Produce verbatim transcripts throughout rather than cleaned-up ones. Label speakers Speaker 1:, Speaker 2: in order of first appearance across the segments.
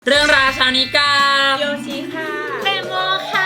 Speaker 1: เรื่องราวเช้านี้กับ
Speaker 2: โยชิค่ะ
Speaker 3: เตโมค่ะ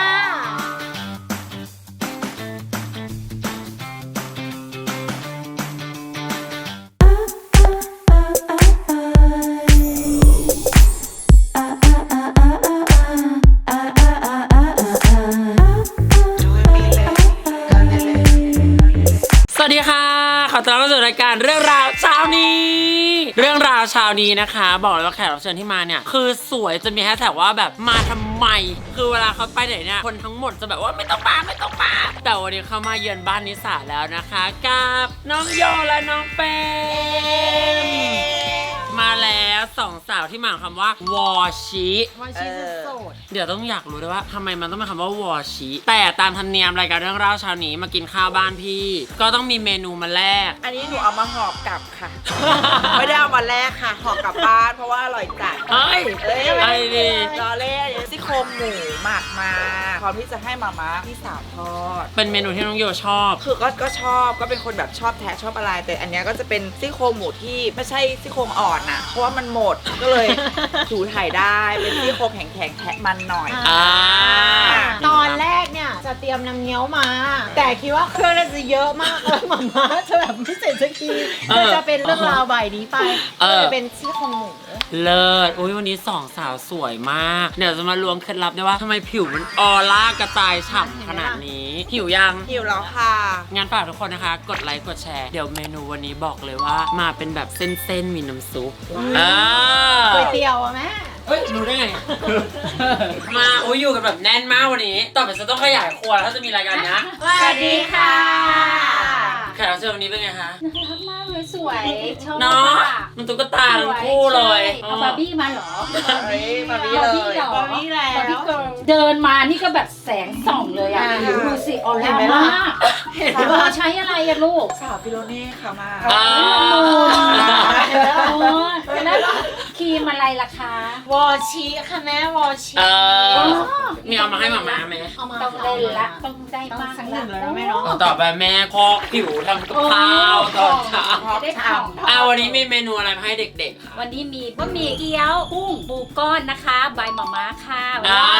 Speaker 1: สวัสดีค่ะขอต้อนรับสู่รายการเรื่องราวเช้านี้เรื่องราวเช้านี้นะคะบอกเลยว่าแขกรับเชิญที่มาเนี่ยคือสวยจะมีแฮชแท็กว่าแบบมาทำไมคือเวลาเขาไปไหนเนี่ยคนทั้งหมดจะแบบว่าไม่ต้องมาไม่ต้องมาแต่วันนี้เขามาเยือนบ้านนิสาแล้วนะคะกับน้องโยและน้องเปมมาแล้วสองสาวที่มาคำว่าวอชิ
Speaker 3: วอชิโสด
Speaker 1: เดี๋ยวต้องอยากรู้ด้วยว่าทำไมมันต้องเป็นคำว่าวอชิแต่ตามธรรมเนียมรายการเรื่องราวเช้านี้มากินข้าวบ้านพี่ก็ต้องมีเมนูมาแลก
Speaker 2: อันนี้หนูเอามาห่อกลับค่ะ ไม่ได้เอามาแลกค่ะห่อกลับบ้านเพราะว่าอร่อยจัด
Speaker 1: เฮ้ย
Speaker 2: เอ้ย
Speaker 1: ไอ้ดี
Speaker 2: รอเล่นซี่โครงหมูหมักมาพร้อมที่จะให้มาม่าพี่สาวทอด
Speaker 1: เป็นเมนูที่น้องโยชอบ
Speaker 2: คือก็ก็ชอบก็เป็นคนแบบชอบแทะชอบอะไร แต่อันเนี้ยก็จะเป็นซี่โครงหมูที่ไม่ใช่ซี่โครงอ่อนน่ะเพราะว่ามันหมดก็เลย ถูถ่ายได้เป็นซี่โครงแข็งๆแทะมันหน่อย
Speaker 1: อ่า
Speaker 3: ตอนแรกเนี่ยจะเตรียมน้ำเงี้ยวมา แต่คิดว่าเครื่องน่าจะเยอะมากเลยหม่าม่าจะแบบไม่เสร็จสักทีก็จะเป็นเรื่องราวใบนี้ไปก็เลยเป็นซี่โครงหมู
Speaker 1: เลิศอุ้ยวันนี้สองสาวสวยมากเดี๋ยวจะมาล้วงเคล็ดลับได้ว่าทำไมผิวมันออร่ากระจายฉ่ำขนาดนี้หิวยัง
Speaker 2: หิวแล้วค่ะ
Speaker 1: งั้นฝากทุกคนนะคะ กดไลค์กดแชร์เดี๋ยวเมนูวันนี้บอกเลยว่ามาเป็นแบบเส้นๆมีน้ำซุปอ่า
Speaker 3: ก๋วยเตี๋ยวอะแม่
Speaker 1: เฮ้ยรู้ได้ไง มาอุ้ยอยู่กันแบบแน่นมากวันนี้ต่อไปจะต้องขยายครัวแล้วถ้าจะมีรายการนะ
Speaker 3: สวัสดีค่ะ
Speaker 1: แขกรับเชิญวันนี้เป็นไงคะ
Speaker 4: น่ารักมากเลยสวยชอบ
Speaker 1: เนาะ
Speaker 4: ค่ะ
Speaker 1: มันตุ๊กตาทั้งคู่เลย
Speaker 4: ใช่เอาบาร์บี้มาเหรอ
Speaker 2: เฮ้ยมาบี้
Speaker 4: บาร์
Speaker 2: เล
Speaker 4: บี้
Speaker 2: ย
Speaker 4: เหรอบ
Speaker 3: าร์บี้แล้ว
Speaker 4: บาร์บี้เกิร์ลเดินมานี่ก็แบบแสงส่องเลยอ่ะ
Speaker 2: อ่า
Speaker 4: ดูสิออ
Speaker 2: เห็
Speaker 4: ร่าน
Speaker 2: ไหมล่ะ
Speaker 4: มากเธอใช้อะไรอะลูก
Speaker 2: สาวฟิโลเน่ค่ะมา
Speaker 1: อ่า
Speaker 4: โอ้ยแล้วครีมอะไรล่ะคะ
Speaker 3: วอชิค่ะแม่วอชิ
Speaker 1: เออมีเอามาให้หมาม่าไหม
Speaker 3: เอามา
Speaker 4: ต้องเล่นละต้องได้บ้าง
Speaker 3: สักหนึ่งแล้วนะแม่เนาะ
Speaker 1: ต่อไปแม่พอกผิวทำกับข้าวตอนเช้า
Speaker 4: ได้ท
Speaker 1: อ่าวันนี้มีเมนูอะไรมาให้เด็กๆค่ะ
Speaker 4: ำวันนี้มีบะหมี่เกี๊ยวกุ้งปูก้อนนะคะใบหม่าม้าค่ะ
Speaker 1: อ่า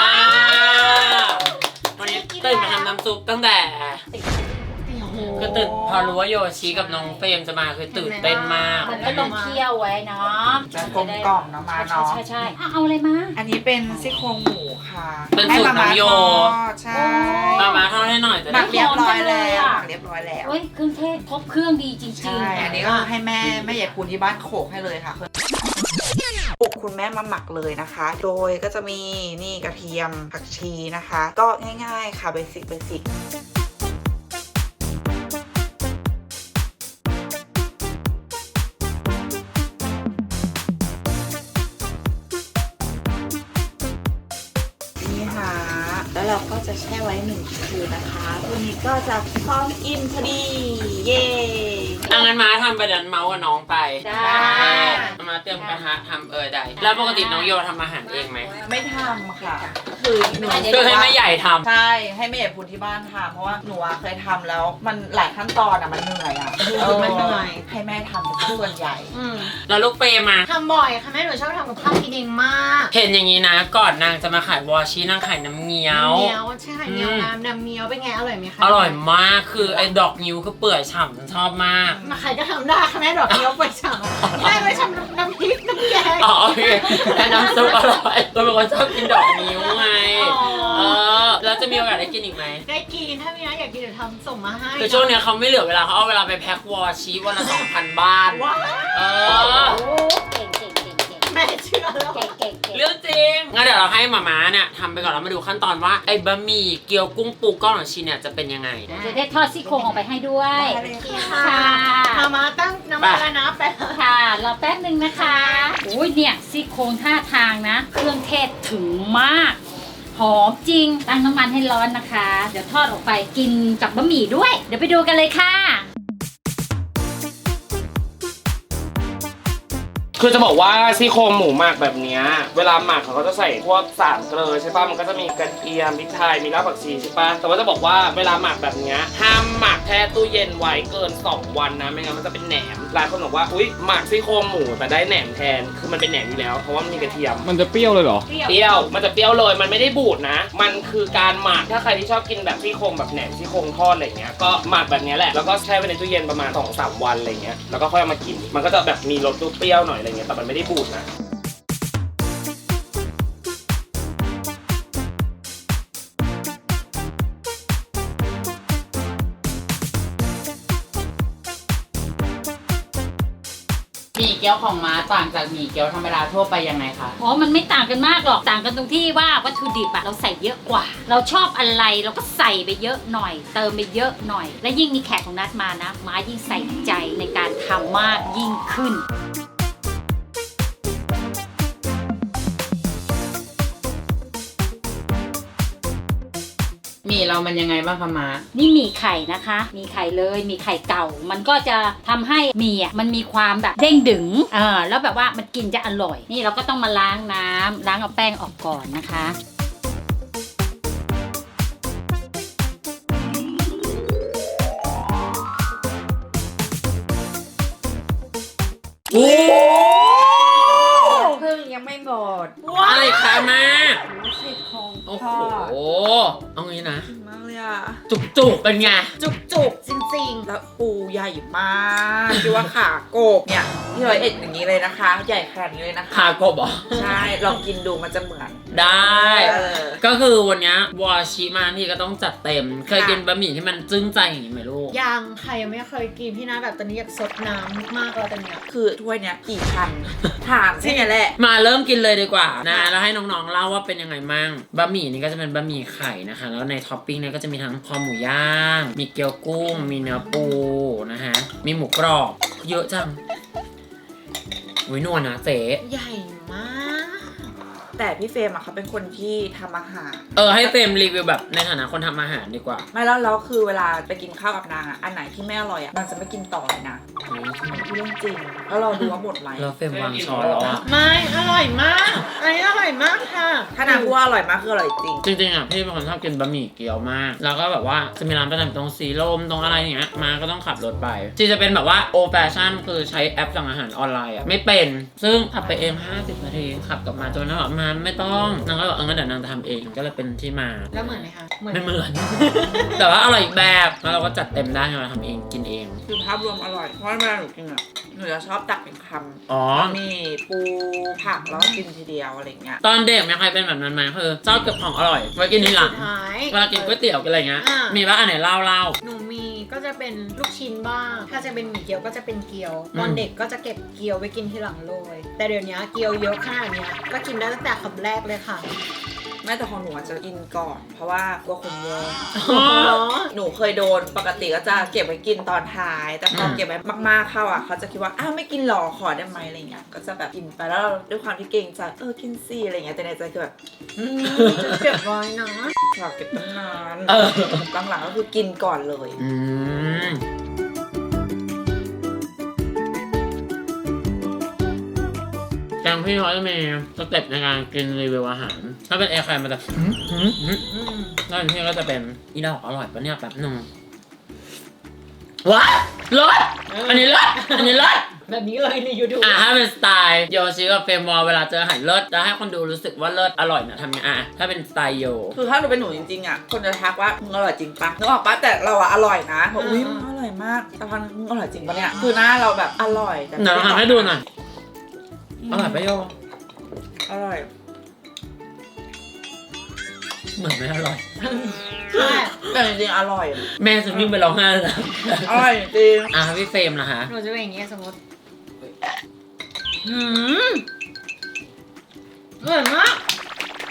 Speaker 1: วันนี้ตื่นมาทำน้ำซุปตั้งแต่คือตื่นพอรู้ว่าโยชิกับน้องเฟรมจะมาคือตื่นเต้นมาก
Speaker 4: มันก็ต้องเคี่ยวไว้เนาะ
Speaker 2: จะกลมกล่อมเนาะมา
Speaker 4: ใช่
Speaker 2: เนาะ
Speaker 4: ใช่ใช่อ่ะเอาอะไรมา
Speaker 2: อันนี้เป็นซี่โครงหมูค่ะ
Speaker 1: เป็นสูตรน้องโย
Speaker 2: ใช่
Speaker 1: มามาทอดให้หน่อยจะ
Speaker 2: หมั
Speaker 1: ได้
Speaker 2: กเรียบร้อยแล้วหมักเรียบร้อยแล้ว
Speaker 4: เฮ้ยเครื่องเทศครบเครื่องดีจริงๆ
Speaker 2: ใช่ อันนี้ก็ให้แม่แม่ใหญ่คุณที่บ้านโขกให้เลยค่ะปลุกคุณแม่มาหมักเลยนะคะ โดยก็จะมีนี่กระเทียมผักชีนะคะ ก็ง่ายๆค่ะเบสิกเบสิกนี่ค่ะแล้วเราก็จะแช่ไว้หนึ่งคืนนะคะวันนี้ก็จะพร้อมกินพอดีเย้
Speaker 1: อ่ะงั้นมาทำประเด็นเมาส์กับน้องไป
Speaker 4: ได้
Speaker 1: มาเตรียมกระทะทำเออได้แล้วปกติน้องโยทำอาหารเองไหม
Speaker 2: ไม่ทำค่ะก็คือหนู
Speaker 1: คือให้แม่ใหญ่ทำ
Speaker 2: ใช่ให้แม่ใหญ่พูดที่บ้านทำเพราะว่าหนูอะเคยทำแล้วมันหลายขั้นตอนอะมันเหนื่อยอะ
Speaker 3: คือมันเหนื่อย
Speaker 2: ให้แม่ทำเป็นส่วนใหญ่
Speaker 3: อืม
Speaker 1: แล้วลูกเปรมา
Speaker 3: ทำบ่อยค่ะแม่หนูชอบทำกับข้าวกินเองมาก
Speaker 1: เห็นอย่างนี้นะ ก่อนนางจะมาขายวอชินางขายน้ำเงี้ยว
Speaker 3: น้ำเงี้ยวใช่เงี้ยวน้ำน้ำเงี้ยวเป็นไงอร่อยไหมคะ
Speaker 1: อร่อยมากคือไอ้ดอกงิ้วคือเปื่อยฉ่ำฉันชอบมาก
Speaker 3: มาใครก็ทำได้ค่ะแม่ดอกเงี้ยวไปฉ่ำแม่ไปฉ่ำน้ำพริกน้ำแกง
Speaker 1: อ๋อโอเคแต่น้ำซุปอร่อยเราเป็นคนชอบกินดอกนิ้วไง
Speaker 3: อ๋อ
Speaker 1: เออแล้วจะมีโอกาสได้กินอีกไหม
Speaker 3: ได้กินถ้ามีนะอยากกินเดี๋ยวทำส่งมาให้
Speaker 1: คือช่วงเนี้ยเขาไม่เหลือเวลาเขาเอาเวลาไปแพ็ควอชีวันละสองพันบ้าน
Speaker 3: ว้าว
Speaker 1: เออ
Speaker 4: โอ้เก่งเก่งเก่งเก่ง
Speaker 3: แม่เชื่อแล้ว
Speaker 4: เก่งเก่งเก่ง
Speaker 1: เรื่องจริงงั้นเดี๋ยวเราให้หมาม้าเนี่ยทำไปก่อนแล้วมาดูขั้นตอนว่าไอ้บะหมี่เกี๊ยวกุ้งปูก้อนของชีเนี่ยจะเป็นยังไง
Speaker 4: จะได้ทอดซี่โครงออกไปให้ด้วย
Speaker 2: ได้เลยค่ะ
Speaker 4: ค่ะ
Speaker 3: มามาตั้งน้ำมันแล้วนะแป๊บ
Speaker 4: ค่ะรอแป๊บหนึ่งนะคะอุ้ยเนี่ยซี่โครงท่าทางนะ เครื่องเทศถึงมากหอมจริงตั้งน้ำมันให้ร้อนนะคะ เดี๋ยวทอดออกไปกินกับบะหมี่ด้วย เดี๋ยวไปดูกันเลยค่ะ
Speaker 1: คื
Speaker 5: คือจะบอกว่าซี่โครงหมูหมักแบบเนี้ยเวลาหมักเขาก็จะใส่พวกสารเกลือใช่ป่ะมันก็จะมีกระเทียมพริกไทยมีรากผักชีใช่ป่ะแต่ว่าจะบอกว่าเวลาหมักแบบเนี้ยห้ามหมักแช่ตู้เย็นไว้เกินสองวันนะไม่งั้นมันจะเป็นแหนมหลายคนบอกว่าอุ้ยหมักซี่โครงหมูแต่ได้แหนมแทนคือมันเป็นแหนมอยู่แล้วเพราะว่ามันมีกระเทียม
Speaker 6: มันจะเปรี้ยวเลยเหรอ
Speaker 5: เปรี้ยวมันจะเปรี้ยวเลยมันไม่ได้บูดนะ มันคือการหมักถ้าใครที่ชอบกินแบบซี่โครงแบบแหนมซี่โครงทอดอะไรเงี้ยก็หมักแบบนี้แหละแล้วก็แช่ไว้ในตู้เย็นประมาณ สองถึงสาม วันอะไรเงี้ยแล้วก็ค่อยเอามากินมันก็จะแบบมีรสเปรี้ยวหน่อยอะไรเงี้ยแต่มันไม่ได้บูดนะ
Speaker 1: หมี่เกี๊ยวของม้าต่างจากหมี่เกี๊ยวธรรมดาทั่วไปยังไงคะ
Speaker 4: อ๋อ มันไม่ต่างกันมากหรอก ต่างกันตรงที่ว่าวัตถุดิบอะเราใส่เยอะกว่า เราชอบอะไรเราก็ใส่ไปเยอะหน่อย เติมไปเยอะหน่อย และยิ่งมีแขกของนัดมานะ ม้ายิ่งใส่ใจในการทำมากยิ่งขึ้น
Speaker 1: หมี่เรามันยังไงบ้างคะม้า
Speaker 4: นี่หมี่ไข่นะคะ มีไข่เลย มีไข่เก่า มันก็จะทำให้หมี่อ่ะมันมีความแบบเด้งดึงเออแล้วแบบว่ามันกินจะอร่อย นี่เราก็ต้องมาล้างน้ำล้างเอาแป้งออกก่อนนะคะ
Speaker 1: โอ้
Speaker 2: พึ่งยังไม่หมด
Speaker 1: อะไรคะมา
Speaker 2: ซี่โครง
Speaker 1: โอ้
Speaker 2: ท
Speaker 1: โห
Speaker 2: อด
Speaker 1: เอางี้นะ
Speaker 2: มากเลยอ่ะ
Speaker 1: จุกจุกๆเป็นไง
Speaker 3: จุกจุกๆจริง
Speaker 2: แล้วปูใหญ่มากคิดว่าขาโกบเนี่ยที่ร้อยเอ็ดอย่างนี้เลยนะคะ ใหญ่ขนาดนี้เลยนะคะ
Speaker 1: ขากบเหรอ
Speaker 2: ใช่ ลองกินดูมันจะเหมือน
Speaker 1: ได้
Speaker 2: เออ
Speaker 1: ก็คือวันเนี้ยวอชิมาที่ก็ต้องจัดเต็ม เคยกินบะหมี่ที่มันจึ้งใจอย่างนี้ไหมลูก
Speaker 3: ๆ ยังใครยังไม่เคยกินพี่นะแบบตอนนี้อยากซดน้ำมากเลยตอนเนี้ย
Speaker 2: คือถ้วยเนี้ยกี่พัน ถามใช่ไหมแหละ
Speaker 1: มาเริ่มกินเลยดีกว่านะแล้วให้น้องๆเล่าว่าเป็นยังไงมั่งบะหมี่นี่ก็จะเป็นบะหมี่ไข่นะคะแล้วในท็อปปิ้งเนี่ยก็จะมีทั้งคอหมูย่างมีเกี๊ยวกุ้ง มีเนื้อปูนะฮะมีหมูกรอบเยอะจังอุ้ยนวลนะเจ๊
Speaker 3: ใหญ่มาก
Speaker 2: แต่พี่เฟรมอะเขาเป็นคนที่ทำอาหาร
Speaker 1: เออให้เฟรมรีวิวแบบในฐานะคนทำอาหารดีกว่า
Speaker 2: ไม่แล้วแล้วคือเวลาไปกินข้าวกับนางอะอันไหนที่ไม่อร่อยอะนางจะไม่กินต่อเลยนะเรื่องจริงแล้วเราดูว่าหมดไหม
Speaker 1: แล้วเฟรมวางช้อนแล้วอะ
Speaker 3: ไม่อร่อยมากอันนี้อร่อยมากค่ะ
Speaker 2: ถ้านางพูดว่าอร่อยมากคืออร่อยจริง
Speaker 1: จริงๆอ่ะพี่เป็นคนชอบกินบะหมี่เกี๊ยวมาก แล้วก็แบบว่าจะมีร้านประจำตรงสีลมตรงอะไรอย่างเงี้ยมาก็ต้องขับรถไปจีจะเป็นแบบว่าโอแฟชั่นคือใช้แอปสั่งอาหารออนไลน์อ่ะไม่เป็นซึ่งขับไปเองห้าสิบนาทีขับกลับมาจนนางบอกมาไม่ต้องนางก็บอกเอองั้นเดี๋ยวนางจะทำเองก็เลยเป็นที่มา
Speaker 3: แล้วเหมือนไหมคะ
Speaker 1: ไม่เหมือน แต่ว่าอร่อยอีกแบบแล้วเราก็จัดเต็มได้เราทำเองกินเอง
Speaker 2: คือภาพรวมอร่อยเพราะเวลาหนูกินอะหนูจะชอบตักเป็นคำ
Speaker 1: อ๋อ
Speaker 2: มีปูผักแล้วก็กินทีเดียวอะไรเงี้ย
Speaker 1: ตอนเด็กมีใครเป็นแบบนั้นไหมคือชอบเก็บของอร่อยไว้กินทีหลัง
Speaker 3: สุดท้าย
Speaker 1: เวลากินก๋วยเตี๋ยวกินอะไรเงี้ย
Speaker 3: อ่ามี
Speaker 1: มีว่าอันไหนเล่าเล่า
Speaker 3: หนูมีก็จะเป็นลูกชิ้นบ้าง ถ้าจะเป็นหมี่เกี๊ยวก็จะเป็นเกี๊ยว
Speaker 1: อืม
Speaker 3: ตอนเด็กก็จะเก็บเกี๊ยวไว้กินทีหลังเลย แต่เดี๋ยวนี้เกี๊ยวเยอะขนาดเนี้ยก็กินได้ตั้งแต่คำแรกเลยค่ะ
Speaker 2: แม่แต่ของหนูอาจจะกินก่อน เพราะว่ากลัวคนแย่ง
Speaker 3: อ๋อ
Speaker 2: หนูเคยโดนปกติก็จะเก็บไว้กินตอนท้าย แต่พอเก็บไว้มากๆเข้าอ่ะเขาจะคิดว่าอ้าวไม่กินหรอขอได้ไหมอะไรเงี้ยก็จะแบบกินไปแล้วเราด้วยความที่เกรงใจเออกินสิอะไรเงี้ยแต่ในใจคือแบบ
Speaker 3: อืมจะเก็บไว้นะ
Speaker 2: อยากเก็บตั้งนาน
Speaker 1: เออ
Speaker 2: หลังๆก็คือกินก่อนเลย
Speaker 1: อืมแกงพี่เขาจะมีสเต็ปในการกินรีวิวอาหาร ถ้าเป็นเอใครมันจะหืมหืมหืม
Speaker 3: อืม
Speaker 1: ถ้าเป็นพี่ก็จะเป็นอีดอกอร่อยปะเนี่ยแป๊บนึงว้าเลิศอันนี้เลิศอันนี้เลิศ
Speaker 3: แบบนี้เลยในยูทูบ
Speaker 1: อ่ะถ้าเป็นสไตล์โยชิกับเฟรมวอลเวลาเจออาหารเลิศจะให้คนดูรู้สึกว่าเลิศอร่อยนะทำยังไงอ่ะถ้าเป็นสไตล์โย
Speaker 2: คือถ้าหนูเป็นหนูจริงๆอ่ะคนจะทักว่ามึงอร่อยจริงปะนึกออกปะแต่เราอะอร่อยนะบอกอุ้ยมึงอร่อยมากแต่พอมึงอร่อยจริงปะเนี่ยคือหน้าเราแบบอร่อยแต่
Speaker 1: เดี๋ยวเราทำให้ดูหน่อยอร่อยปะโย
Speaker 2: อร่อย
Speaker 1: เหมือนไม่อร่อย
Speaker 3: ใช่
Speaker 2: แต่จริงๆอร่อย
Speaker 1: แม่จะวิ่งไปร้องไห้เลยนะ
Speaker 2: อร่อยจริง
Speaker 1: อ่ะพี่เฟรมนะคะ
Speaker 3: หนูจะเป็นอย่างเงี้ยสมมติหืมอร่อยมาก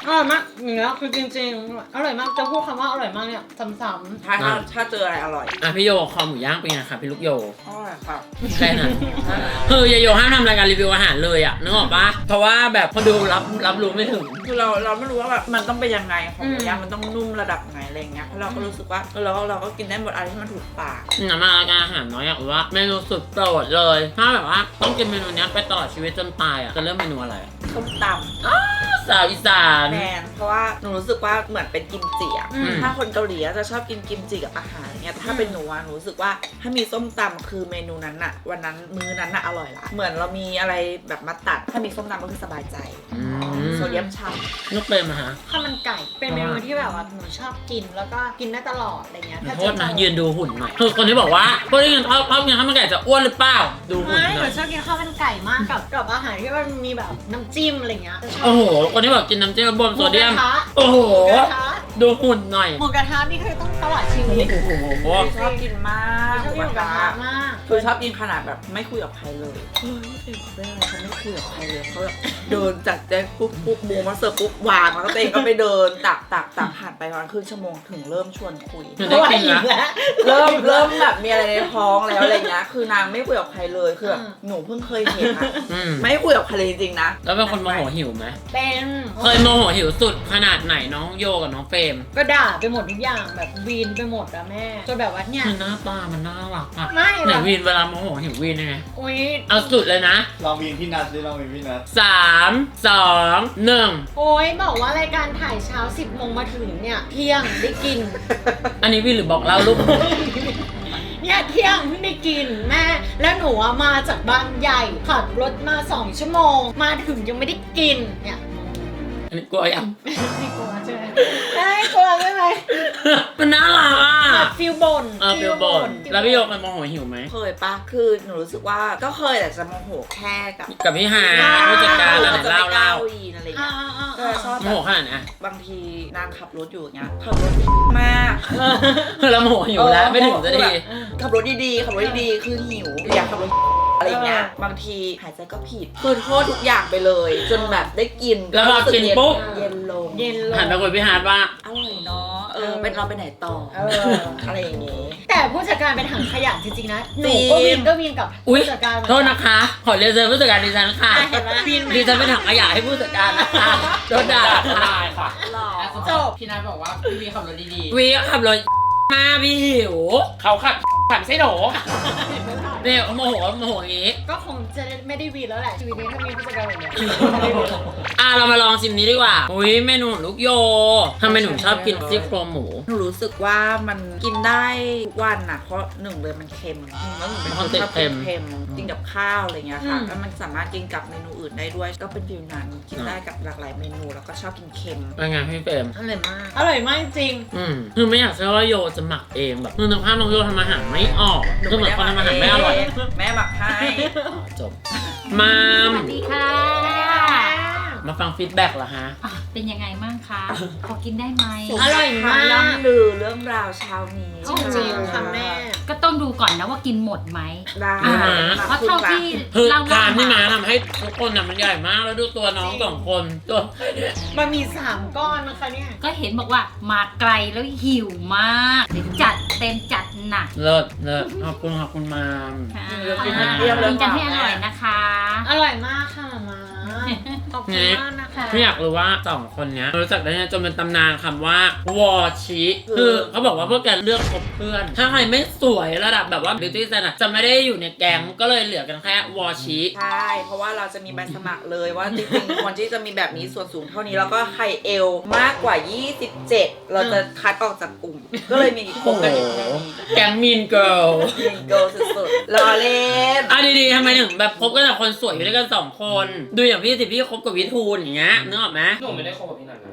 Speaker 3: อร่อยมากอย่างเงี้ยคือจริงๆอร่อยมากจะพูดคำว่าอร่อยมากเนี่ยซ้ำ
Speaker 2: ถ้าถ้าถ้าเจออะไรอร่อย
Speaker 1: อ่ะพี่โยคอหมูย่างเป็นไงคะพี่ลูกโย
Speaker 2: อร่อยค่ะ
Speaker 1: แค่นั้นคือยายโยห้ามทำรายการรีวิวอาหารเลยอ่ะนึกออกปะเพราะว่าแบบพอดูรับรับรู้ไม่ถึง
Speaker 2: คือเราเราไม่รู้ว่าแบบมันต้องเป็นยังไงของหมูย่างมันต้องนุ่มระดับไหนอะไรเงี้ยเพราะเราก็รู้สึกว่าเราก็เราก็กินได้หมดอะไรที่มันถูกปาก
Speaker 1: งั้นมารายการอาหารน้อยอยากรู้ว่าเมนูสุดโปรดเลยถ้าแบบว่าต้องกินเมนูเนี้ยไปตลอดชีวิตจนตายอ่ะจะเริ่มเมนูอะไร
Speaker 2: ส้มต
Speaker 1: สาวอีสาน
Speaker 2: ำแมนเพราะว่าหนูรู้สึกว่าเหมือนเป็นกิมจิอะ
Speaker 3: อืม
Speaker 2: ถ้าคนเกาหลีอะจะชอบกินกิมจิกับอาหารเนี่ยแต่ถ้าเป็นหนูอะหนูรู้สึกว่าถ้ามีส้มตำคือเมนูนั้นอะวันนั้นมื้อนั้นอะอร่อยละเหมือนเรามีอะไรแบบมาตัดถ้ามีส้มตำก็คือสบายใจ
Speaker 1: อืม
Speaker 2: โซเดียมช่
Speaker 1: นุกเป็นมาฮะ
Speaker 3: ข้าวมันไก่เป็นเมนูที่แบบว่าหนูชอบกินแล้วก็กินได้ตลอดอะไรเงี้ย
Speaker 1: ขอโทษนะยืนดูหุ่นหน่อยคือคนที่บอกว่าพวกที่กินชอบชอบกินข้าวมันไก่จะอ้วนหรือเปล่าดูหุ่น
Speaker 3: ไม่
Speaker 1: ห
Speaker 3: ห
Speaker 1: น่
Speaker 3: นู
Speaker 1: อย
Speaker 3: ชอบกินข้าวมันไก่มากกับกับอาหารที่มันมีแบบน้ำจิ้มอะไรเงี้ยจะชอบ
Speaker 1: โอ้โหคนที่บอกกินน้ำจิ้มบนโซเดียม
Speaker 3: หมูกระทะ
Speaker 1: โอ้โห
Speaker 3: หมูกระทะ
Speaker 1: ดูหุ่นหน่อย
Speaker 3: หมูกระทะนี่คือต้องตลอดชีวิต
Speaker 1: โอ้โห
Speaker 2: ำชอบกินมาก
Speaker 3: ชอบกินหมูกระทะมาก
Speaker 2: คือชอบกินขนาดแบบไม่คุยกับใครเลยเฮ้ยไม่เป็นไรเขาไม่คุยกับใครเลยเขาแบบเดินจากแจ๊คปุ๊บปุ๊บหมูมาเสิร์ฟปุ๊บวางแล้วก็ตัวเองก็ไปเดินตักตักตักผ่านไปประมาณครึ่งชั่วโมงถึงเริ่มชวนคุย
Speaker 1: ถึงได้กินละ
Speaker 2: เริ่มเริ่มแบบมีอะไรในท้องแล้วอะไรเงี้ยคือนางไม่คุยกับใครเลยคือแบบ
Speaker 3: อืม
Speaker 2: หนูเพิ่งเคยเห็นอะ
Speaker 1: อืม
Speaker 2: ไม่คุยกับใครเลยจริงๆนะ
Speaker 1: แล้วเป็นคนโมโหหิวไหม
Speaker 3: เป็น
Speaker 1: เคยโมโหหิวสุดขนาดไหนน้องโยกับน้องเฟรม
Speaker 3: ก็ด่าไปหมดทุกอย่างแบบวีนไปหมดอะแม่จนแบบว่าเนี่ย
Speaker 1: คือหน้าตามันน่ารักอะ
Speaker 3: ไม่
Speaker 1: ไหน
Speaker 3: แบบ
Speaker 1: วีนเวลาโมโหหิววีนยังไง
Speaker 3: อุ้ย
Speaker 1: เอาสุดเลยนะ
Speaker 6: ลองวินพี่นัทดิลองวินพี่นัท
Speaker 1: สามสองหนึ่ง
Speaker 3: โอ้ยบอกว่ารายการถ่ายเช้าสิบโมงมาถึงเนี่ยเที่ยงได้กิน
Speaker 1: อันนี้วีนหรือบอกเล่าลูก
Speaker 3: เนี่ยเที่ยงเพิ่งได้กินแม่ แล้วหนูอะมาจากบางใหญ่ขับรถมาสองชั่วโมง มาถึงยังไม่ได้กินเนี่ย
Speaker 1: อันนี้กลัวยัง
Speaker 3: ไม่กลัวใช่ไหมไม่กลัวใช่ไหม
Speaker 1: มันน่ารักอ่ะ
Speaker 3: แบบฟิลบน
Speaker 1: เออฟิลบนแล้วพี่โยกมันโมโหหิวไหม
Speaker 2: เคยปะคือหนูรู้สึกว่าก็เคยแต่จะโมโหแค่กับ
Speaker 1: กับพี่ฮาผู้จัดการอะไร
Speaker 2: จะ
Speaker 1: เล่า
Speaker 2: ไป
Speaker 1: เล่า
Speaker 2: ก้าวอีนอะไร
Speaker 3: อ่า
Speaker 2: เงี้ย
Speaker 3: อ่า
Speaker 2: ก็
Speaker 3: อ่า
Speaker 2: จะชอบ
Speaker 1: โม
Speaker 2: แบ
Speaker 1: โห
Speaker 2: บ
Speaker 1: ขนาดไหนอะ
Speaker 2: บางทีนางขับรถอยู่อย่างเงี้ยขับรถมาก
Speaker 1: คือเราโมโหหิวแล้วไม่ถึงจะดี
Speaker 2: ขับรถดีๆขับรถดีๆคือหิวอยากขับรถอะไรเงี้ยบางทีหายใจก็ผิดคือโทษทุกอย่างไปเลย จนแบบได้กิน
Speaker 1: แล้วพอกินปุ๊บ
Speaker 2: เย็นลง
Speaker 3: เย็นลง
Speaker 1: หันไปคุยพี่ฮาร์ดว่า
Speaker 2: อร่อยเนาะเออเป็นเราไปไหนต่อ
Speaker 3: เออ
Speaker 2: อะไรอย่างงี้
Speaker 3: แต่ผู้จัดการเป็นถังขยะจริงๆนะหนู
Speaker 2: จริง
Speaker 3: ก็วินก็วินกับ
Speaker 1: อุ๊ย
Speaker 3: ผู้จัดการเหมือน
Speaker 1: โท
Speaker 3: กั
Speaker 1: ษนะคะ ขอเรียนเชิญผู้จัดการดิฉันค่ะ
Speaker 3: อ่ะเห็นไหมวินไหม
Speaker 1: ดิฉันเป็นถังขยะให้ผู้จัดการนะคะโดนด่า
Speaker 5: ได้ค่ะ
Speaker 2: หล่อ
Speaker 3: จบ
Speaker 5: พี่นัทบอกว่าพี่วีขับรถดี
Speaker 1: วีก็ขับรถมาพี่หิว
Speaker 5: ๆเขาขับขับไม่ใช่หนู
Speaker 1: เนี่ยเขาโมโหโมโหอย่างงี้
Speaker 3: ก็คงจะไม่ได้วีนแล้วแหละชีวิตนี้ถ้ามีผู้จัดการแบบเนี้ย
Speaker 1: อ่ะเรามาลองชิมนี้ดีกว่าอุ้ยเมนูของลูกโยทำไมหนูชอบกินซี่โครงหมู
Speaker 2: หนูรู้สึกว่ามันกินได้ทุกวันน่ะเพราะหนึ่งเลยมันเค็มแล้วหนูเป็นคนชอบกินเค็มกินกับข้าวอะไรเงี้ยค่ะแล้วมันสามารถกินกับเมนูอื่นได้ด้วย ก็เป็นฟิวนั้นกินได้กับหลากหลายเมนูแล้วก็ชอบกินเค็ม
Speaker 1: เป็นไงพี่เฟรม
Speaker 3: อร่อยมาก อร่อยมากจริง
Speaker 1: อืมคือไม่อยากเชื่อว่าโยจะหมักเองแบบคือนึกภาพน้องโยทำอาหารไม่ออกคือเหมือนคนทำอาหารไม่อร่อย
Speaker 2: แม่หมักให้
Speaker 1: อ๋อจบมาม
Speaker 4: สวัสดีค่ะ
Speaker 1: มาฟังฟีดแบ็กเหรอฮะ
Speaker 4: อ่ะเป็นยังไงบ้างคะ พอกินได้ไหม
Speaker 3: อร่อยมาก
Speaker 2: ล่ำลือเรื่องราวเช้านี้
Speaker 3: จริงๆค่ะแม่
Speaker 4: ก็ต้องดูก่อนนะว่ากินหมดไหม
Speaker 2: ได้
Speaker 1: อ่า
Speaker 4: เพราะเท่าที่
Speaker 1: คือ
Speaker 4: เรา
Speaker 1: ทานที่มา
Speaker 4: มา
Speaker 1: ทำให้ทุกคนน่ะมันใหญ่มากแล้วดูตัวน้องสองคนตัว
Speaker 3: มันมีสามก้อนนะคะเนี่ย
Speaker 4: ก็เห็นบอกว่ามาไกลแล้วหิวมากเดี๋ยวจัดเต็มจัดหนัก
Speaker 1: เลิศเลิศขอบคุณขอบคุณมาม
Speaker 4: ค่ะ
Speaker 2: กิน
Speaker 4: กิน
Speaker 2: เปรี้ยวเลย
Speaker 4: กันให้อร่อยนะคะ
Speaker 3: อร่อยมากค่ะมาขอบคุณมากนะคะ
Speaker 1: ไม่อยากรู้ว่าสองคนเนี้ยรู้จักได้ไงจนเป็นตำนานคำว่าวอชิคือเขาบอกว่าพวกแกเลือกคบเพื่อน ถ้าใครไม่สวยระดับแบบว่า beauty standard จะไม่ได้อยู่ในแก๊งก็เลยเหลือกันแค่วอชิ
Speaker 2: ใช่ เพราะว่าเราจะมีใบสมัครเลยว่าจริงๆคนที่จะมีแบบนี้ส่วนสูงเท่านี้แล้วก็ไข่เอวมากกว่า ยี่สิบเจ็ด เราจะคัดออกจากกลุ่ม ก็เลยมีคบกันอยู่แค่นี้
Speaker 1: แก๊งมีนเกิล
Speaker 2: ยิงโกสุดๆรอเล่น
Speaker 1: อ่ะดีๆทำไมถึงแบบคบกันแต่คนสวยอยู่ด้วยกันสองคน ดูอย่างพี่สิพี่คบกับวิทูลอย่างเงี้ยนึกออกไหม
Speaker 5: หนูไม่ได้คบกับพี่นัทนะ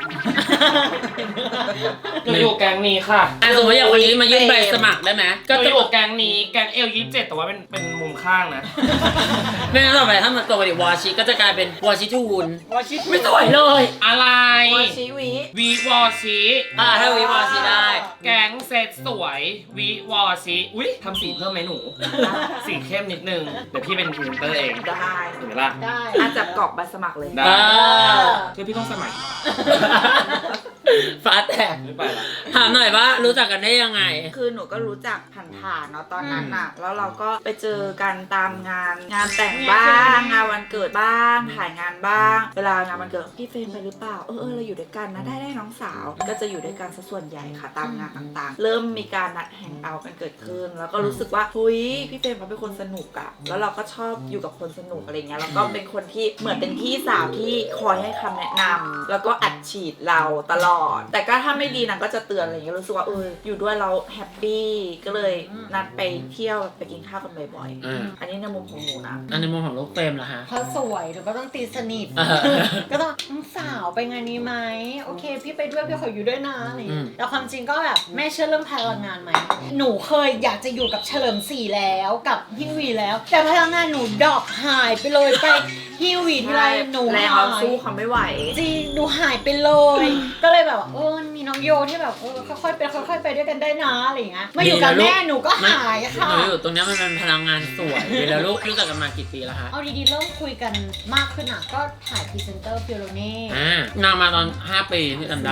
Speaker 5: หนูอยู่แก๊งนี้ค่ะ
Speaker 1: อ่ะสมมติอย่างวันนี้มายื่นใบสมัครได้ไหม
Speaker 5: ก็
Speaker 1: ก็
Speaker 5: จะ
Speaker 1: จะ
Speaker 5: อยู่แก๊งนี้แก๊งเอลยี่สิบเจ็ดแต่ว่าเป็นเป็นมุมข้างนะ
Speaker 1: ไม่งั้นต่อไปถ้ามันตัวเป็นวอชิก็จะกลายเป็นวอชิทูน
Speaker 3: วอชิต
Speaker 1: ไม่สวยเลย
Speaker 5: อะไร
Speaker 2: วอชิวิ
Speaker 5: วีวอชิ
Speaker 1: อ่าถ้าวิวอชิได้
Speaker 5: แก๊งเซตสวยวีวอชิอุ้ยทำสีเพิ่มไหมหนู สีเข้มนิดนึงเดี๋ยวพี่เป็นพรีเซนเตอร์เอง
Speaker 2: ได้
Speaker 5: ถูกไหมล่ะ
Speaker 3: ได้
Speaker 2: อาจจะกรอกใบสมัครเลย
Speaker 5: ได้
Speaker 1: อ่า
Speaker 5: คือพี่ต้องสมัคร
Speaker 1: ฟ้าแตก
Speaker 5: ไม่ไปละ
Speaker 1: ถามหน่อยว่ารู้จักกันได้ยังไง
Speaker 2: คือหนูก็รู้จักผ่านๆเนาะตอนนั้นน่ะ แล้วเราก็ไปเจอกันตามงาน งานแต่งบ้าง งานวันเกิดบ้าง ถ่ายงานบ้าง เวลางานวันเกิดพี่เฟรมไปหรือเปล่า เออเออเราอยู่ด้วยกันนะ ได้ได้น้องสาว ก็จะอยู่ด้วยกันซะส่วนใหญ่ค่ะตามงานต่างๆ เริ่มมีการนัดแฮงเอาท์กันเกิดขึ้น แล้วก็รู้สึกว่าเฮ้ยพี่เฟรมเขาเป็นคนสนุกอะแล้วเราก็ชอบอยู่กับคนสนุกอะไรเงี้ย แล้วก็เป็นคนที่เหมือนเป็นพี่สาวที่คอยให้คำแนะนำแล้วก็อัดฉีดเราตลอด แต่ก็ถ้าไม่ดีนางก็จะเตือนอะไรเงี้ยรู้สึกว่าเอออยู่ด้วยเราแฮปปี้ก็เลยนัดไปเที่ยวไปกินข้าวกันบ่อย
Speaker 1: อืม
Speaker 2: ๆ อันนี้ในมุมของหนูนะ
Speaker 1: อันในมุมของลูกเฟรมเหรอฮะ
Speaker 3: เขาสวยหนูก็ต้องตีสนิท
Speaker 1: เออ
Speaker 3: ก็ต้องน้องสาวไปงานนี้ไหมโอเค พี่ไปด้วยพี่ขออยู่ด้วยนะอะไรอย่าง
Speaker 1: อื
Speaker 3: เงี้
Speaker 1: ม
Speaker 3: ยแต่ความจริงก็แบบแม่เชื่อเรื่องพลังงานไหมหนูเคยอยากจะอยู่กับเฉลิมศรีแล้วกับฮิววีแล้ว แต่พลังงานหนูดรอปหายไปเลยไปฮิววีทีไรหนู
Speaker 2: แรง
Speaker 3: หา
Speaker 2: เรา
Speaker 3: ย
Speaker 2: สู้เขาไม่ไหว
Speaker 3: จริงหนูหายไปเลย ก็เลยแบบว่าเออมีน้องโยที่แบบเออค่อยๆไปค่อยๆไปด้วยกันได้นะอะไรอย่างเงี้ยมาอยู่กับแม่หนูก็หายค่ะ
Speaker 1: หนูอยู่ตรงเนี้ยมันเป็นพลังงานสวยดีแล้วลูกรู้จักกันมากี่ปีแล้วฮะ
Speaker 3: เอาดีๆเริ่มคุยกันมากขึ้นอ่ะก็ถ่ายพรีเซนเตอร์ฟิโลเน่
Speaker 1: อ่านางมาตอนห้าปีที่จำได้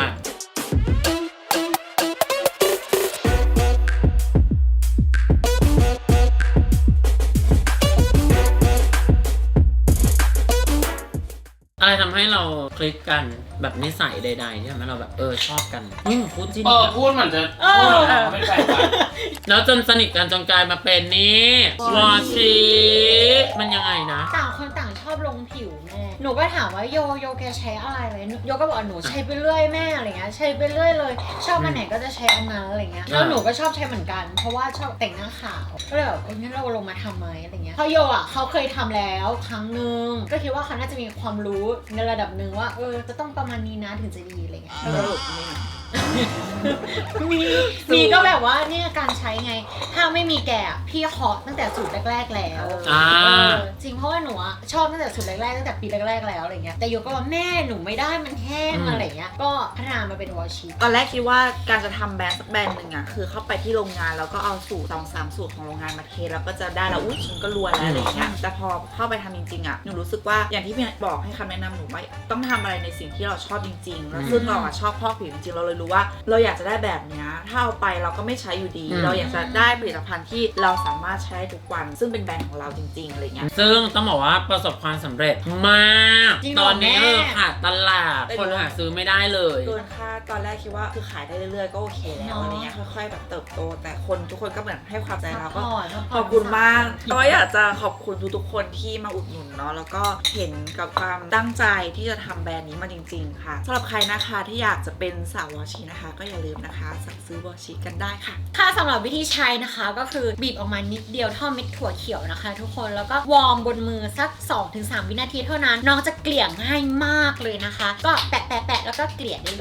Speaker 1: อะไรทำให้เราคลิกกันแบบนิสัยใดๆที่ทำให้เราแบบเออชอบกันอืมพูดจริง
Speaker 5: เออพูดเหมือนจะพูดเหมือนจะไม่แปลกใจ
Speaker 1: แล้วจนสนิทกันจนกลายมาเป็นนี่วอชิมันยังไงนะ
Speaker 3: ต่างคนต่างชอบลงผิวแม่หนูก็ถามว่าโยโยแกใช้อะไรเลยโยก็บอกหนูใช้ไปเรื่อยแม่อะไรเงี้ยใช้ไปเรื่อยเลยชอบอันไหนก็จะใช้อันนั้นอะไรเงี้ยแล้วหนูก็ชอบใช้เหมือนกันเพราะว่าชอบแต่งหน้าขาวก็เลยแบบเอองั้นเราลงมาทำไหมอะไรเงี้ยเพราะโยอ่ะเขาเคยทำแล้วครั้งนึงก็คิดว่าเขาน่าจะมีความรู้ในระดับหนึ่งว่าเออจะต้องประมาณนี้นะถึงจะดีอะไรเงี้ย
Speaker 2: สรุปนี่
Speaker 3: มีมีก็แบบว่าเนี่ยการใช้ไงถ้าไม่มีแกะพี่เคาะตั้งแต่สูตรแรกๆแล้ว
Speaker 1: อ่า
Speaker 3: เออจริงเพราะว่าหนูอะชอบตั้งแต่สูตรแรกๆตั้งแต่ปีแรกๆแล้วอะไรเงี้ยแต่โยก็ว่าแม่หนูไม่ได้มันแห้ง
Speaker 1: อืม
Speaker 3: อะไรเงี้ยก็พัฒนามาเป็นวอชิ
Speaker 2: ตอนแรกคิดว่าการจะทำแบรนด์สักแบรนด์หนึ่งอ่ะคือเข้าไปที่โรงงานแล้วก็เอาสูตรสองสามสูตรของโรงงานมาเทแล้วก็จะได้แล้วอุ้ยฉันก็รวยแล้วอะไรอย่างเงี้ยแต่พอเข้าไปทำจริงๆอ่ะหนูรู้สึกว่าอย่างที่พี่บอกให้คำแนะนำหนูว่าต้องทำอะไรในสิ่งที่เราชอบจริงๆแล้วซึ่งเราอ่ะชอบพอกผิวจริงๆเราเลยรู้ว่าเราอยากจะได้แบบเนี้ยถ้าเอาไปเราก็ไม่ใช้อยู่ดี
Speaker 1: อืม
Speaker 2: เราอยากจะได้ผลิตภัณฑ์ที่เราสามารถใช้ได้ทุกวัน ซึ่งเป็นแบรนด์ของเราจริงๆอะไรเงี้ย
Speaker 1: ซึ่งต้องบอกว่าประสบความสำเร็จมาก
Speaker 3: จริงเหร
Speaker 1: ต
Speaker 3: อ
Speaker 1: อนนี้
Speaker 3: แม่
Speaker 1: เออขาดตลาด
Speaker 2: ได้
Speaker 1: คนหาซื้อไม่ได้เลย
Speaker 2: เกินคาดตอนแรกคิดว่าคือขายได้เรื่อยๆก็โอเคแล้วอะไรเงี้ยค่อยๆแบบเติบโต แต่คนทุกคนก็เหมือนให้ความใจเราก็ ขอบคุณมากก็อยากจะขอบคุณทุกๆคนที่มาอุดหนุนเนาะ แล้วก็เห็นกับความตั้งใจที่จะทำแบรนด์นี้มาจริงๆค่ะสำหรับใครนะคะที่อยากจะเป็นสาววอชินะคะ ก็อย่าลืมนะคะสั่งซื้อวอชิกันได้ค่ะ
Speaker 3: ค่ะสำหรับวิธีใช้นะคะก็คือบีบออกมานิดเดียวเท่าเม็ดถั่วเขียวนะคะ ทุกคนแล้วก็วอร์มบนมือสัก สองถึงสาม วินาทีเท่านั้นน้องจะเกลี่ยง่ายมากเลยนะคะ ก็แปะแปะแปะแล้วก็เกลี่ยได้เลย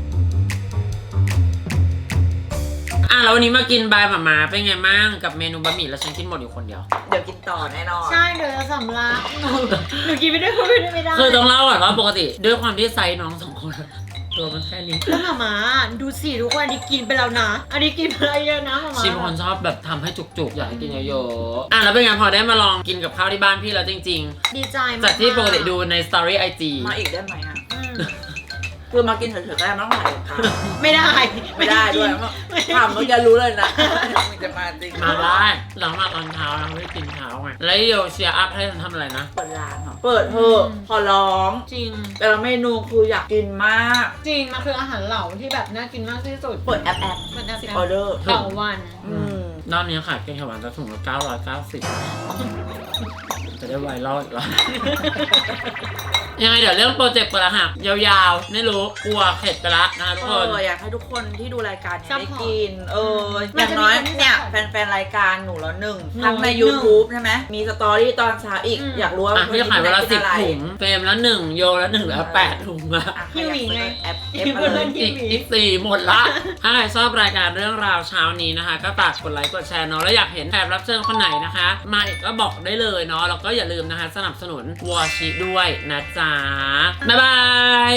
Speaker 1: อ่ะแล้ววันนี้มากินบายหมามาเป็นไงบ้างกับเมนูบะหมี่แล้วฉันกินหมดอยู่คนเดียว
Speaker 2: เดี๋ยวกินต่อแน่นอน
Speaker 3: ใช่เดี๋ยวจะสำลักหนูหนูกินไม่ได้พูดไม่ได้ไม่ได้
Speaker 1: คือต้องเล่าก่อนว่าปกติด้วยความที่ไซส์น้องสองคนตัวมันแค่นี้
Speaker 3: แล้วหมามาดูสิทุกคนอันนี้กินไปแล้วนะ อันนี้กินไปแล้วเยอะนะหมามา
Speaker 1: ชิมคนชอบแบบทำให้จุกๆ อยากให้กินเยอะๆอ่ะแล้วเป็นไงพอได้มาลองกินกับข้าวที่บ้านพี่แล้วจริง
Speaker 3: ดีใจ
Speaker 1: ๆ
Speaker 3: มาก
Speaker 1: จากที่ปกติดูในสตอรี่ไอจี
Speaker 2: มาอีกได้ไหมอ่ะ
Speaker 3: อืม
Speaker 2: คือมากินเฉยๆก็ได้ไม่ต้องถ่ายค่ะ
Speaker 3: ไม่ได้
Speaker 2: ไม่ได้ด้วย
Speaker 3: ไม่
Speaker 2: ถามมึงจะรู้เลยนะมึงจะมาจริง
Speaker 1: มาได้หลังมาตอนเช้าเราไม่ได้กินเช้าไงแล้วโยเชียร์อัพให้ฉันทำอะไรนะ
Speaker 2: เปิดร้านเหรอเปิดเถอะขอร้อง
Speaker 3: จริง
Speaker 2: แต่ละเมนูคืออยากกินมาก
Speaker 3: จริงมันคืออาหารเหล่าที่แบบน่ากินมากที่สุด
Speaker 2: เปิดแอปแอป
Speaker 3: เปิดแอป
Speaker 2: สิบออเดอร์
Speaker 3: ต่อวัน
Speaker 2: อืม
Speaker 1: รอบนี้ขายแกงเขียวหวานจะถุงละเก้าร้อยเก้าสิบจะได้ไวรัลอีกแล้วยังไงเดี๋ยวเรื่องโปรเจกต์เปิดรหัสยาวๆไม่รู้กลัวเข็ดไปละนะคะทุก
Speaker 2: เอ
Speaker 1: คน
Speaker 2: ออยากให้ทุกคนที่ดูรายการเนี้ยได้
Speaker 3: Support
Speaker 2: กิน เออ
Speaker 3: มั
Speaker 2: อน ย่าง
Speaker 3: จะมี
Speaker 2: น้อย
Speaker 3: คนที่
Speaker 2: เนี่ย
Speaker 3: support
Speaker 2: แฟนๆรายการหนูแล้วหนึ่ง
Speaker 3: หนู
Speaker 2: ทั้งใน
Speaker 3: หนึ่ง
Speaker 2: YouTube ใช่ไหมมีสตอรี่ตอนเช้าอีก
Speaker 3: อืม
Speaker 2: อยากรู้ว่า
Speaker 1: อ่ะพี่ขายเวลาสิบ
Speaker 2: อะไร
Speaker 1: ถุงเฟรมละหนึ่งโยละหนึ่งแล้วแปดถุงอะ
Speaker 2: อ่ะ
Speaker 3: ฮิวอีกไง
Speaker 2: แอปเอฟมาเลย
Speaker 1: อีกอีกสี่หมดละ ถ้าใครชอบรายการเรื่องราวเช้านี้นะคะ ก็ฝากกดไลค์กดแชร์เนาะแล้วอยากเห็นแขกรับเชิญคนไหนนะคะ มาอีกก็บอกได้เลยเนาะแล้วก็อย่าลืมนะคะ สนับสนุนวอชิด้วยนะจ๊ะ บ๊ายบาย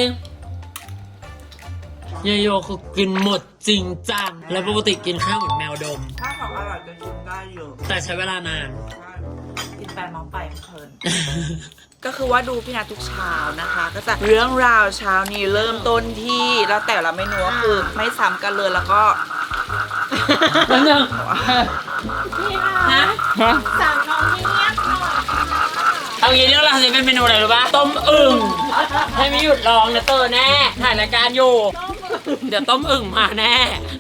Speaker 1: เยโยคือกินหมดจริงจัง แล้วปกติกินข้าวเหมือนแมวดม
Speaker 2: ถ้าของอร่อยจะกินได้อยู่
Speaker 1: แต่ใช้เวลานาน
Speaker 2: กินแปนมองไปเพลิน ก็คือว่าดูพี่นัททุกเช้านะคะ ก็จะเรื่องราวเช้านี้เริ่มต้นที่แล้วแต่ละเมนูก็คือไม่ซ้ำกันเลยแล้วก็
Speaker 1: แล้วนึง
Speaker 3: พี่
Speaker 1: ฮะ
Speaker 3: ค่ะสั่งน้องที่เงียบหน่อย
Speaker 1: เอางี้เรื่องราวนี้เป็นเมนูอะไรรู้ป่ะ ต้มอึ่งให้ไม่หยุดร้องนะเตอร์แน่ ถ่ายรายการอยู่ เดี๋ยวต้มอึ่งมาแน่